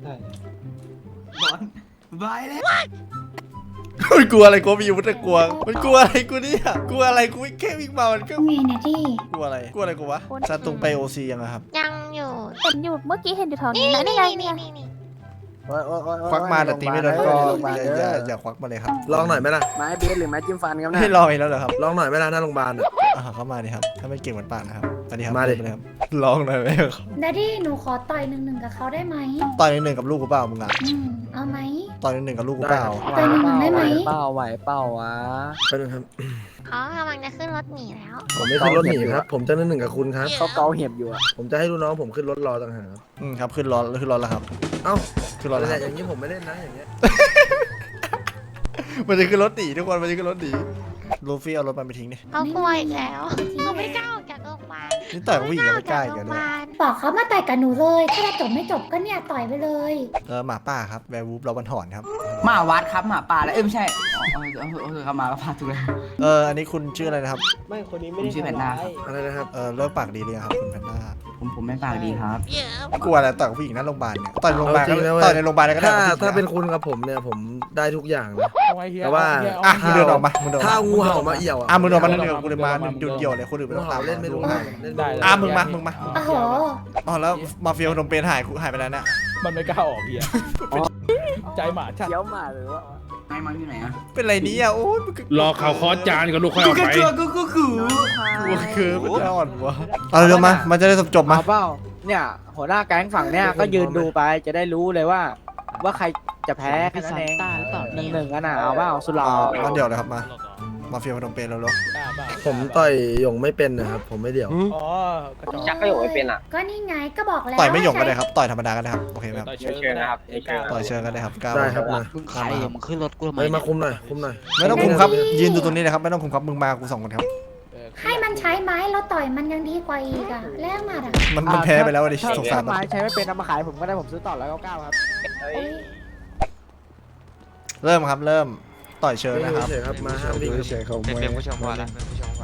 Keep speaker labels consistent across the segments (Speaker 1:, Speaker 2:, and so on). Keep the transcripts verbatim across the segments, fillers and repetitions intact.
Speaker 1: บอลบายเลย
Speaker 2: มันกลัวอะไรกูมีอยู่มันจะกลัวมันกลัวอะไรกูเนี่ยกลัวอะไรกูแค่วิ่งมามันก็
Speaker 3: ไงนะที่
Speaker 2: กลัวอะไรกลัวอะไรกูวะซาตุงไปโอซียังอะครับ
Speaker 4: ยังอยู่
Speaker 5: เห็นอยู่เมื่อกี้เห็นอยู่แถวนี้
Speaker 4: นี่
Speaker 5: นะ
Speaker 4: นี่
Speaker 5: นี่ไง
Speaker 4: นี่
Speaker 5: เนี่ย
Speaker 4: นี่นี่
Speaker 2: ควักมาแต่ตีไม่โดนก็อย่าอย่าอย่าควักมาเลยครับ
Speaker 6: ลองหน่อยไหมล่ะ
Speaker 7: ไม้เบสหรือไม้จิ้มฟันครับ
Speaker 2: ให้
Speaker 7: เนี่ย
Speaker 2: ลองอีกแล้วเหรอครับ
Speaker 6: ลองหน่อยไหมล่ะหน้าโรงพยาบาลอ่ะ
Speaker 2: อ่าเข้ามาดิครับถ้าไม่เก่งเหมือนป่านนะครับสวัสดีครับ
Speaker 6: มาดิ
Speaker 2: เลยครับลองหน่อยไหมครับ
Speaker 3: ดดดี้หนูขอต่อยหนึ่งหนึ่งกับเขาได้ไหม
Speaker 2: ต่อยหนึ่งกับลูกกูเปล่ามึงอะ
Speaker 3: อืมเอาไหม
Speaker 2: ต่อยหนึ่งกับลูกกูเปล่า
Speaker 3: ต่อยหนึ่งหนึ่งได้ไหม
Speaker 7: เป้าไหวเป้าวะ
Speaker 6: ไปนึงครับ
Speaker 4: เขากำลังจะขึ้นรถหนีแล้ว
Speaker 6: ผมไม่ขึ้นรถหนีครับ ผมจะนั่นหนึ่งกับคุณครับ
Speaker 7: เขาเกาเห็บอยู่อะ
Speaker 6: ผมจะให้ลูกน้องผมขึ้นรถรอต่างหากครับ
Speaker 2: อืมครับขึ้นรถขึ้นรถแล้วครับ
Speaker 6: เอ้า
Speaker 2: ขึ้นรถแล้วค
Speaker 6: แต่
Speaker 2: รับ
Speaker 6: อย่างนี้ผมไม่เล่นนะอย่างเงี้ย
Speaker 2: มันจะขึ้นรถหนีทุกคนมันจะขึ้นรถหนีลูฟี่เอารถมันไปทิ้งดิ
Speaker 4: เขากลัวอีกแล้วเขาไม่กล้าออกจากโรงพยาบาล
Speaker 2: นี่ต่อยกับผู้หญิงก็ไม่กล้าอีก
Speaker 4: โร
Speaker 2: แล้ว
Speaker 4: งพ
Speaker 2: เนี่ย
Speaker 4: ยาบาล
Speaker 3: บอกเขามาต่อยกับหนูเลยถ้าจะจบไม่จบก็เนี่ยต่อยไปเลย
Speaker 2: เออหมาป่าครับแวร์วูฟเราบันถอนครับ
Speaker 1: หมาวัดครับหมาป่าแล้วเอ้ยไม่ใช่อ๋อเออเออเออเขามาก็พาถูกเลย
Speaker 2: เอออันนี้คุณชื่ออะไรนะครับ
Speaker 7: ไม่คนนี้
Speaker 1: ผ
Speaker 7: ไม่
Speaker 1: ม
Speaker 7: ได้
Speaker 1: ชื่อแพนด้าครับ
Speaker 6: อะไรนะครับ
Speaker 2: เออเลิกปากดีเลยครับคุณแพนด้า
Speaker 1: ผมผมไม่ปากดีครับ
Speaker 2: กลัวอะไรต่อยกับผู้หญิงหน้าโรงพยาบาลเนี่ยต่อยในโรงพยาบาล
Speaker 6: เอาจริงนะเว้ย
Speaker 2: ต่อยในโรงพยาบาลก็ได้
Speaker 6: ถ้า
Speaker 2: กับผู้หญิง
Speaker 6: ถ้าเป็น
Speaker 2: อะ
Speaker 6: คุณกับผมเนี่ยผมได้ทุกอย่างนะ แต่ว่า
Speaker 2: อ่ะมึงเดินออกมามึงเดินออก
Speaker 6: ถ้า
Speaker 2: มา
Speaker 6: งูเห่ามาเอี่ยวอ่ะ
Speaker 2: อ่ะมึงเดินออกมาเดินกับกูเลยมาเดี่ยวๆเลยคนอื่นไม่
Speaker 6: งู
Speaker 2: ต้อง
Speaker 6: เห่า
Speaker 2: ตาม
Speaker 6: เล่นไม่รู้เห่าเล่นไม่รู้
Speaker 2: อ่ะมึงมามึงมา
Speaker 3: โอ้โห
Speaker 2: อ๋อแล้วมาเฟียพนมเปญหายหายไปแล้วเนี่ย
Speaker 8: มันไม่กล้าออกเฮียใจหมาชัด
Speaker 7: เขียวหมาหรือว่า
Speaker 1: ไอ้มันอยู่ไหนอะ
Speaker 2: เป็นไรนี้อ่ะโอ้ยมึง
Speaker 8: รอข่าวคอสจานกับลูกค่อยออกไป
Speaker 1: กูกูกูกู
Speaker 2: กลัวคือมันจะอ่อนวะเอาเร็วมามันจะได้จบๆมา
Speaker 7: เอาเปล่าเนี่ยหัวหน้าแก๊งฝั่งเนี่ยก็ยืนดูไปจะได้รู้เลยว่า ว่าใครจะแพ้แค่นั้นเองหนึ่งหนึ่งกันอ่ะเอาเปล่าสุดหล่อ
Speaker 2: เอามาเดี๋ยวเลยครับมามาเฟียพนมเปญแล้วเหรอ
Speaker 6: ผมต่อยหยงไม่เป็นนะครับ ผมไม่เดี่ยว
Speaker 8: อ๋อกระจอก
Speaker 7: ชักก็อยู่ไม่เป็นอ่ะ
Speaker 3: ก็นี่ไงก็บอกแล้ว
Speaker 2: ต่อยไม่หยงก็ได้ครับต่อยธรรมดาก็ได้ครับโอเคไหมครับ
Speaker 8: ต่อยเชิงนะครับ
Speaker 2: ต่อยเชิงก็ได้ครับก้าว
Speaker 6: ได้ครับมา
Speaker 2: ตามมาครับ
Speaker 7: มึงขึ้นรถกูทำไม
Speaker 6: เฮ้ยมาคุมหน่อยคุมหน่อย
Speaker 2: ไม่ต้องคุมครับยืนดูตรงนี้เลยครับไม่ต้องคุมครับมึงมากูสองคนครับ
Speaker 3: ให้มันใช้ไม้แล้วต่อยมันยังดีกว่าอีกอะแลกมาอะ
Speaker 2: มันมันแพ้ไปแล้วอะดิ
Speaker 7: ถ้า
Speaker 2: สงสาร
Speaker 7: ถ้า
Speaker 2: มัน
Speaker 7: ไม้ใช้ไม่เป็นเอามาขายผมก็ได้ผมซื้อต่อแล้วเก้าเก้าครับ
Speaker 3: เอ้ย
Speaker 2: เริ่มครับเริ่มต่อยเชิงนะครับ
Speaker 6: เฉยๆครับมาห้ามวิ่ง
Speaker 2: เฉยเขา
Speaker 9: เป็นเป็นผู้ชมก่อนนะเป็นผู้ชมก่อน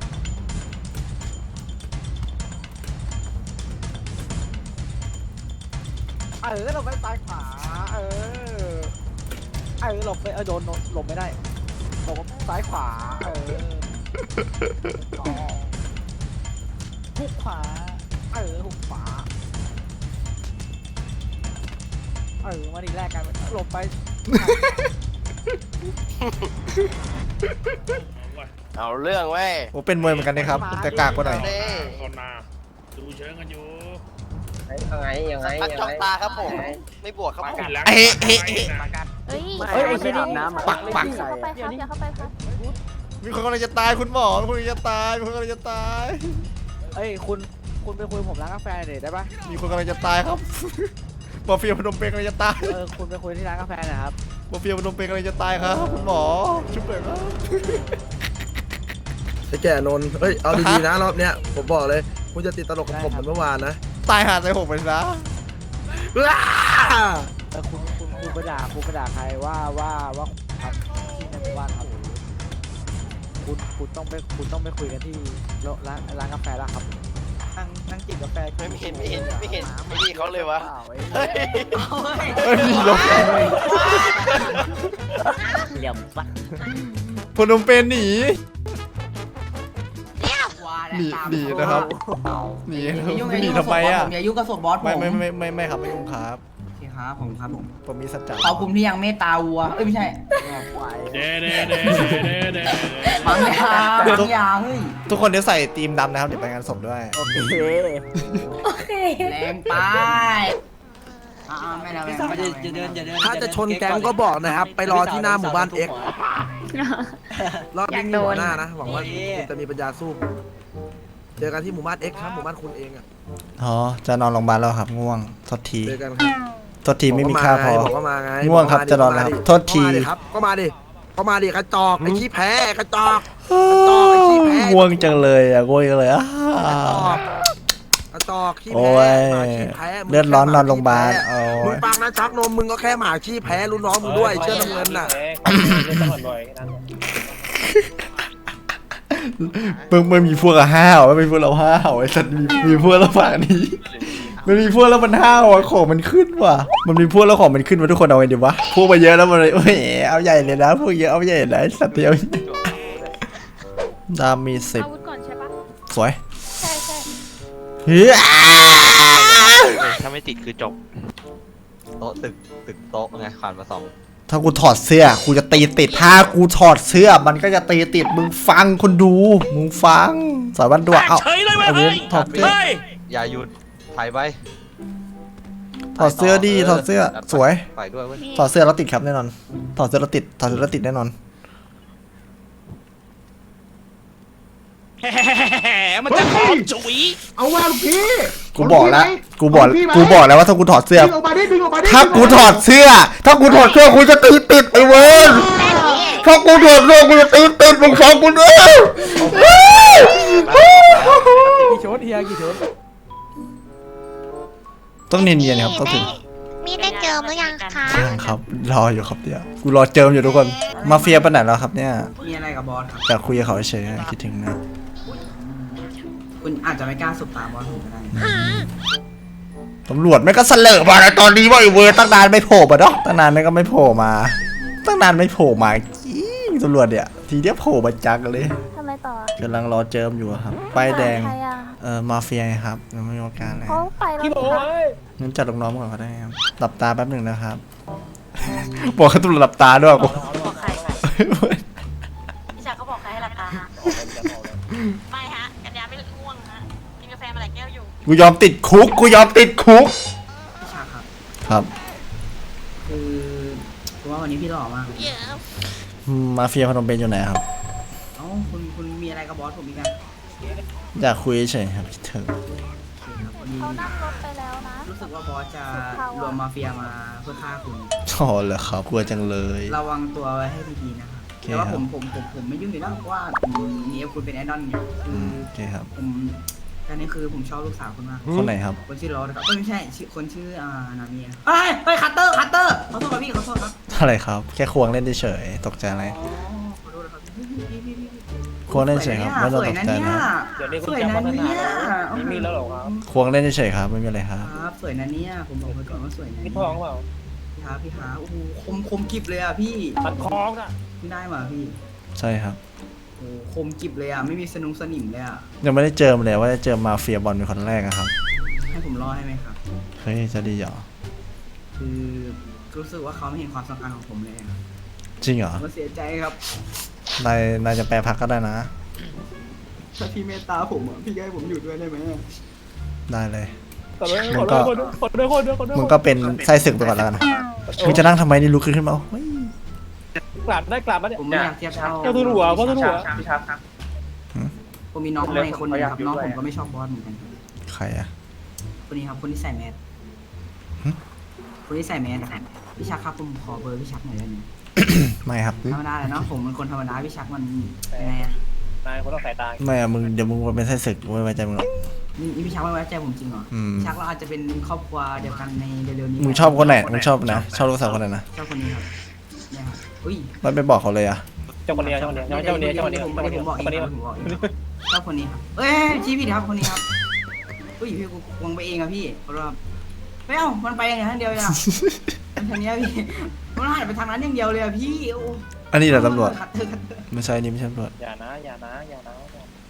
Speaker 7: เออหลบไปซ้ายขวาเออเออหลบไปเออโดนหลบไม่ได้หลบซ้ายขวาเออหุกขวาเออหุกขวาเออมาดีแรกกันหลบไป
Speaker 9: เอาเรื่องเว้ย
Speaker 2: โอ้เป็นมวยเหมือนกันนะครับแต่กากกว่าหน่อย
Speaker 8: ก่อนมาดูเชิงกันอยู่
Speaker 7: ยังไงยังไง
Speaker 9: พักจ้องตาครับผม ไม่บวกครับผม
Speaker 2: เอ๊ะเอ๊ะเอ๊ะ
Speaker 5: เฮ้ย
Speaker 7: เฮ้ยไอ้ที่นี่น้ำ
Speaker 2: ปักปัก
Speaker 5: อย่าเข้าไปครับอย่าเข้าไปครับ
Speaker 2: มีคนกำลังจะตายคุณหมอมีคนกำลังจะตายมีคนกำลังจะตาย
Speaker 7: เอ้ยคุณคุณไปคุยผมร้านกาแฟหน่อยได้ปะ
Speaker 2: มีคนกำลังจะตายครับมาเฟียพนมเปญกำลังจะตาย
Speaker 7: เออคุณไปคุยที่ร้านกาแฟหน่อยครับ
Speaker 2: มาเฟียพนมเปญกำลังจะตายครับคุณหมอช่วยหน่อยครับ
Speaker 6: ไอ้แก่นนท์เฮ้ยเอาดีๆนะรอบเนี้ยผมบอกเลยคุณจะติดตลกกับผมเหมือนเมื่อวานนะ
Speaker 2: ตายหาใจหกไปซะ
Speaker 7: เออคุณคุณคุณไปด่าคุณไปด่าใครว่าว่าว่าครับที่ในหมู่บ้านครับคุณคุณต้องไปคุณต้องไปคุยกันที่ร้านร้านกาแฟแล้วครับนั่งนั่งจิบกาแฟ
Speaker 9: ไม่เห็นไม่เห็นไม่เห็นไม่นี่เขาเลยวะ
Speaker 2: เฮ้ยมีลบ
Speaker 7: เหลี่ยมฟัด
Speaker 2: พนมเปญหนีหนีหนีนะครับหนีนะครับหนีทำไมอ่ะ
Speaker 1: อย่ายุ่งกับศพบอสผม
Speaker 2: ไม่ไม่ไม่ไม่ไม่ครับไม่ยุ่งครับ
Speaker 1: โอเคครับผมครับผม
Speaker 2: ผมมีสัจจะ
Speaker 1: ขอบคุณที่ยังเมตตาวัวเอ้ยไม่ใช่
Speaker 8: เด้เด้เด้เด้เด้
Speaker 1: บางยาบางยาเฮ้ย
Speaker 2: ทุกคนเดี๋ยวใส่ทีมดำนะครับเดี๋ยวไปงานศพด้วย
Speaker 7: โอเค
Speaker 3: โอเค
Speaker 1: แรงไปอ่าไม่แล้วไม่แล้วจะเดินจะเดิน
Speaker 6: ถ้าจะชนแก๊งก็บอกนะครับ ไปรอที่หน้าหมู่บ้านเอ็กรอบนี้มีหัวหน้านะหวังว่าคุณจะมีปัญญาสู้เจอกันที่หมู่บ้านเอ็กครับหมู่บ้านคุณเองอ่ะ
Speaker 2: อ๋อจะนอนโรงพยาบาลแล้วครับง่วงโทษที
Speaker 6: เจอกันครับ
Speaker 2: โทษทีไม่มีค่าพอ
Speaker 6: บอกว่ามาไง
Speaker 2: ง่วงครับจะนอนแล้วครับโทษที
Speaker 6: ก็มาดิครับก็มาดิก็มาดิกระจอกไอ้ขี้แพ้กระจอกกระจอกไอ้ขี้แพ้
Speaker 2: ง่วงจังเลยอ่ะง่วงจังเลยอ่ะ
Speaker 6: กระจอกขี้
Speaker 2: โอ้
Speaker 6: แพ้
Speaker 2: ย
Speaker 6: หมาขี้แพ้มึง
Speaker 2: เลือดร้อนนอนโรงพยาบาล
Speaker 6: แค่ห
Speaker 2: โอ้
Speaker 6: มึง
Speaker 2: ย
Speaker 6: ฟังนะชักนมมึงก็แค่หมาขี้แพ้รุ่นน้องมึงด้วยเชื่อน้ำเงินน่ะ
Speaker 2: มึงมึงมีพวกอะห้าวไม่มีพวกเราห้าวไอ้สัตว์มีมีพวกเราฝั่งนี้มันมีพวกแล้วมันห้าวอ่ะของมันขึ้นว่ะมันมีพวกแล้วของมันขึ้นมาทุกคนเอาไงดีวะพวกมาเยอะแล้วมันเลยโอ้ยเอาใหญ่เลยนะพวกเยอะเอาใหญ่เลยสัตว์เดียวดามีสิบ
Speaker 5: อาวุธก่อนใช่ปะ
Speaker 2: สวย
Speaker 5: ใช่ใช่
Speaker 2: เฮ้ย
Speaker 9: ถ้าไม่ติดคือจบ
Speaker 10: โต๊ะตึกตึกโต๊ะไงขวานมาสอง
Speaker 2: ถ้ากูถอดเสื้อกูจะตีติดถ้ากูถอดเสื้อมันก็จะตีติดมึงฟังคนดูมึงฟังสายวันดวงเอา
Speaker 8: เฉยเลยเว้ย
Speaker 2: เอาเว้ยถอดเสื้อ
Speaker 8: เฮ้ย
Speaker 10: อย่าหยุดถ่ายไป
Speaker 2: ถอดเสื้อดิถอดเสื้อสวย
Speaker 10: ถ่ายด้วยเว้ย
Speaker 2: ถอดเสื้อแล้วติดครับแน่นอนถอดเสื้อแล้วติดถอดเสื้อแล้วติดแน่นอน
Speaker 8: แหมมันจะขอจุ๋ย
Speaker 7: เอาว่าลูกพี่
Speaker 2: กูบอกแล้วกูบอกกูบอกแล้วว่าถ้ากูถอดเสื้อ
Speaker 7: ดึงออกมาดิดึงออกมาดิ
Speaker 2: ถ้ากูถอดเสื้อ ถ้ากูถอดเสื้อกูจะตีติดไอ้เว้ยถ้ากูถอดเสื้อกูจะตีติดมึงฟังกูด้วย
Speaker 7: กี่ชุดเฮียกี่ชุด
Speaker 2: ต้องเนียนๆครับต้องถึง
Speaker 4: มีได้เจอหรือยังคะ
Speaker 2: ยังครับรออยู่ครับเดี๋ยวกูรอเจิมอยู่ทุกคนมาเฟียไปไหนแล้วครับเนี่ย
Speaker 1: มีอะไรกับบอสครับ
Speaker 2: แต่คุยกับเขาเฉยๆคิดถึงนะ
Speaker 1: คุณอาจจะไม่กล้าสบตาบอสผมก็ได้
Speaker 2: ตำรวจไม่ก็เสลอมาในตอนนี้ว่าไอ้เวอร์ตั้งนานไม่โผล่มาเนาะตั้งนานไม่ก็ไม่โผล่มาตั้งนานไม่โผล่มาจี้ตำรวจเนี่ยทีเดียวโผล่มาจักเลย
Speaker 5: ทำอะไรต่อก
Speaker 2: ำลังรอเจิมอยู่ครับป้ายแดง
Speaker 5: ใครอ่ะ
Speaker 2: เออมาเฟียไงครับยังไม่มีโอกาสเลย
Speaker 5: เขาไปแล้ว
Speaker 8: พี่โบ
Speaker 5: ค่ะ
Speaker 8: เอ้ย
Speaker 2: งั้นจัดลูกน้องก่อนก็ได้ครับหลับตาแป๊บหนึ่งนะครับ บอกให้ตำรวจหลับตาด้วยกู
Speaker 11: บอกใครพี่ชายเขาบอกใครให้ราคาฮะไม่ฮะกัญญาไม่ง่วงฮะกินกาแฟมาหลายแก้วอยู่
Speaker 2: กูยอมติดคุกกูยอมติดคุก
Speaker 1: พี่ชาครับ
Speaker 2: ครับ
Speaker 1: คือคือว่าวันนี้พี่หล่อมากเลย
Speaker 2: มาเฟียพนมเปญอยู่ไหนครับ
Speaker 1: เอ้าคุณคุณมีอะไรกับบอสผมอีกอะ
Speaker 2: อยากคุยเฉยๆครับคิดถึง
Speaker 1: ครับวันนี้
Speaker 5: เขานั่งรถไปแล้วนะ
Speaker 1: รู้สึกว่าบอสจะรวมมาเฟียมาเพื่อฆ่าคุณ
Speaker 2: อ๋อเหรอครับกลัวจังเลย
Speaker 1: ระวังตัวไว้ให้ดีๆนะครับ
Speaker 2: โอเค
Speaker 1: แต่ว่า
Speaker 2: ครับ
Speaker 1: ผมผมผมผมไม่ยุ่งอยู่แล้วเพราะว่าผมนี่คุณเป็นไอดอลไงคื
Speaker 2: อื
Speaker 1: อ
Speaker 2: มโอเคครับ
Speaker 1: ผมอันนี้คือผมชอบลูกสาวคุณมาก
Speaker 2: คนไหนครับ
Speaker 1: คนชื่อโรสนะครับเอ้ยไม่ใช่ชื่อคนชื่ออ่านามีนะเอ้ยเฮ้ยคัตเตอร์คัตเตอร์ขอโทษครับพี่ขอโทษครับ
Speaker 2: อะไรครับแค่ควงเล่นเฉยๆตกใจอะไร
Speaker 1: อ๋อขอโทษนะครับพี่พี่พี่พี่พี่
Speaker 2: ควงเล่นเฉยครับไม่ต้องตกใจนะ
Speaker 8: เดี๋ยวนี้
Speaker 1: ส
Speaker 8: คุณ
Speaker 1: วย
Speaker 8: จะ
Speaker 1: นะ
Speaker 8: พัฒนา
Speaker 1: เนี่ย
Speaker 8: มีมีแล้วเหรอครับ
Speaker 2: ควงเล่นเฉยๆครับไม่มีอะไรครับ
Speaker 1: ครับสวยนะเนี่ยผมบอกไว้ก่อนว่าสวยนะ
Speaker 8: มีทองเปล่า
Speaker 1: พี่ฮาพี่ฮาโอ้โหคมคมกิบเลยอ่ะพี่
Speaker 8: มันคล้องน่ะ
Speaker 1: พี่ได้มาพี่
Speaker 2: ใช่ครับ
Speaker 1: โอ้โหคมกิบเลยอ่ะไม่มีสนุงสนิมเลยอ่ะ
Speaker 2: ยังไม่ได้เจอมเลยว่าจะเจอมาเฟียบอลเป็นคนแรกอะครับ
Speaker 1: ให้ผมรอให้ไหมครับ
Speaker 2: เฮ้ยจะดีเหรอ
Speaker 1: คือรู้สึกว่าเขาไม่เห็นความสำคัญของผมเลยอะ
Speaker 2: จริงเหรอ
Speaker 1: ผมก็เสียใจครับ
Speaker 2: นายนายจะแปลพักก็ได้นะ
Speaker 1: ถ้าพี่เมตตาผมอ่ะพี่ก็ให้ผมอยู่ด้วยได้ไหมอะ
Speaker 2: ได้เลย
Speaker 8: ขอโทษขอโทษขอโทษขอโทษขอโทษขอโทษ
Speaker 2: มึงก็เป็นไส้ศึกไปก่อนแล้วกันมึงจะนั่งทำไมนี่ลุกขึ้นขึ้นมาเฮ้ย
Speaker 8: กลับได้กลับมาเนี่ย
Speaker 1: ผมไม่อยากเทียบเท่า
Speaker 8: เจ้าทุนหัวเจ้าทุนหัว
Speaker 1: ผมมีน้องในคนหนึงครับน้องผมก็ไม่ชอบบอสเหมือนกัน
Speaker 2: ใครอะ
Speaker 1: คนนี้ครับคนที่ใส่แมส
Speaker 2: หึ
Speaker 1: คนที่ใส่แมสอะครับพี่ชักครับผมขอเบอร์พี่ชักหน่อยได้ไหม
Speaker 2: ไม่ครับ
Speaker 1: ธรรมดาเลยเนาะผมเป็นคนธรรมดาพี่ชักมันยังไงอะ
Speaker 8: นายคนต้องสายตา
Speaker 2: ไม่อะมึงเดี๋ยวมึงเป็นไส้ศึกไม่ไว้ใจมึงหรอก
Speaker 1: นี่นี่พี่ชักไม่ไว้ใจผมจริงเหรอ
Speaker 2: อืม
Speaker 1: พี่ชักเราอาจจะเป็นครอบครัวเดียวกันในเร็วๆนี้
Speaker 2: มึงชอบคนไหนมึงชอบนะชอบลูกสาวคนไหนนะ
Speaker 1: ชอบคนนี้ครับเนี่ยครับอุ้ย
Speaker 2: ไม่ไปบอกเขาเลยอะ
Speaker 8: เจ้าคนนี้เจ้าคนนี้เจ้าคนนี้เจ้าคนนี้
Speaker 1: ผม
Speaker 8: เจ้าคนนี้
Speaker 1: ผมบอกเอง
Speaker 8: คนนี้
Speaker 1: ครับผมบอกเองครับชอบคนนี้ครับเอ้ยชี้ผิดครับคนนี้ครับอุ้ยพี่กูวงไปเองอะพี่เพราะว่าไม่เอามันไปอย่างนั้นเดียวเลยอะมันทางเนี้ยพี่มันหันไปทางนั้นอย่างเดียวเลยอะพี่โอ้
Speaker 2: อันนี้แหละตำรวจ
Speaker 1: คัดเถอะคัดเถอะ
Speaker 2: ไม่ใช่นี่ไม่ใช่ตำรวจ
Speaker 8: อย่านะอย่านะอย่านะ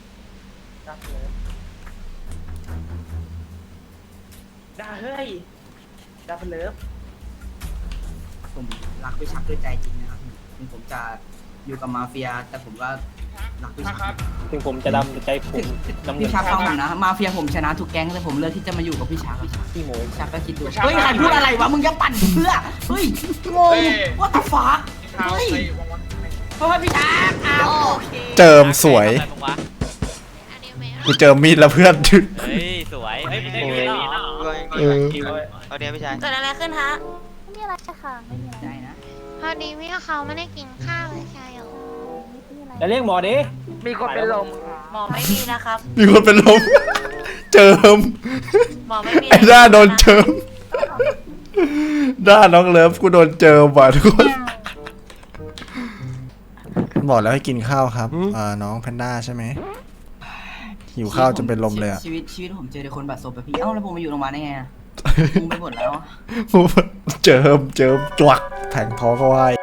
Speaker 8: ด่าเฮ้ยด่าเพลิฟ
Speaker 1: ผมรักพี่ชักด้วยใจจริงนะครับถึงผมจะอยู่กับมาเฟีย แต่ผมก็รักพี่ชัก
Speaker 8: ถึงผมจะดำใจผมดำเงิ
Speaker 1: พี่
Speaker 8: น
Speaker 1: ชักฟังผมนะมาเฟียผมชนะทุกแก๊งแต่ผมเลือกที่จะมาอยู่กับพี่ชักอะ
Speaker 8: พี่โมย
Speaker 1: พี่ชักก็คิดดูเฮ้ยใครพูดอะไรวะมึงจะปั่นเพื่อเฮ้ยงงว่าตาฟ้าเฮ้ยเพราะว่าพี่ชักอ้าวโอเค
Speaker 2: เจิมสวย
Speaker 4: อันนี้ไม่
Speaker 2: กูเจอมีดแล้วเพื่อน
Speaker 10: เฮ้ยสวยเฮ้ยไม่ได้มีหรอ
Speaker 2: เออ
Speaker 10: เอาเนี้ยพี่ชาย
Speaker 11: เกิดอะไรขึ้นฮะ
Speaker 5: ไม่มีอะไรค่ะไม่มีอะไร
Speaker 1: ได้นะ
Speaker 4: พอดีพี่เขาไม่ได้กินข้าวเลยใช่เหรอ
Speaker 5: ไม่มีอะไร
Speaker 8: แล้วเรียกหมอดิ
Speaker 7: มีคนเป็นลม
Speaker 11: หมอไม่มีนะครับ
Speaker 2: มีคนเป็นลม เจิม
Speaker 11: หมอไม่มี
Speaker 2: ไอ้ด้าโดนเจิมด้าน้องเลิฟกูโดนเจิมว่ะทุกคนบอกแล้วให้กินข้าวครับอ่าน้องแพนด้าใช่ไหมหิวข้าวจนเป็นลมเลยอะ
Speaker 1: ชีวิตชีวิตผมเจอแต่คนบาดซบแบบพี่เอ้าแล้วผมมาอยู่โรงพยาบาลได้ไงอะ มุงไปหมดแล้ว
Speaker 2: เจิมเจิมจวักแทงท้องเขาไว้